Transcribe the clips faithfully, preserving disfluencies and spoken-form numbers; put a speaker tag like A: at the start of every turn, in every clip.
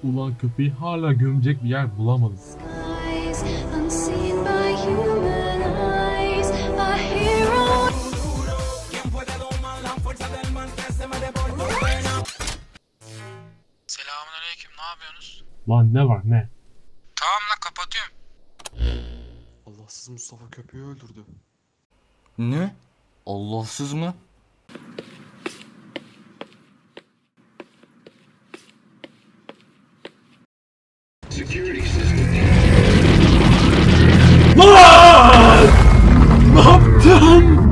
A: Ulan köpeği hala gömecek bir yer bulamadım.
B: Skies unseen by human eyes, a hero.
C: Selamünaleyküm, ne yapıyorsunuz?
A: Lan ne var ne?
C: Tamam lan, kapatıyorum.
D: Allahsız Mustafa köpeği öldürdü.
E: Ne? Allahsız mı?
A: Lan! Ne yaptın?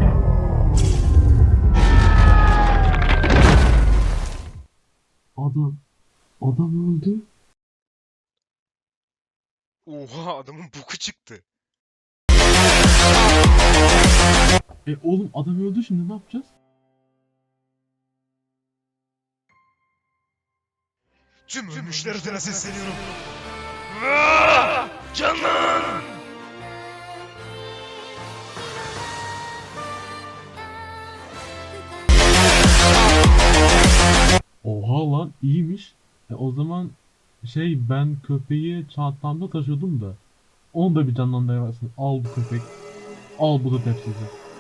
A: Adam, adam öldü.
F: Oha, adamın boku çıktı.
A: E oğlum adam öldü, şimdi ne yapacağız?
F: Tüm ölmüşler adına sesleniyorum. Vaa! Canlan!
A: Oha lan, iyiymiş. E o zaman şey, ben köpeği çantamda taşıyordum da. Onu da bir canlandırıversin. Al bu köpek. Al bu da tepsisi.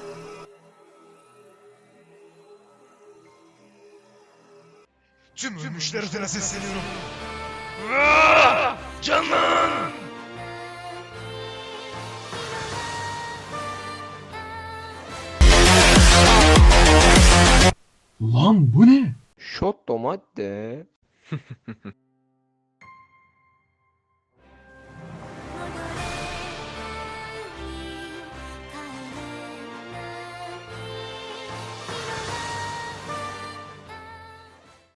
F: Tüm ölmüşler adına sesleniyorum. Vaa! Canlan!
A: Lan bu ne?
G: Shot tomate.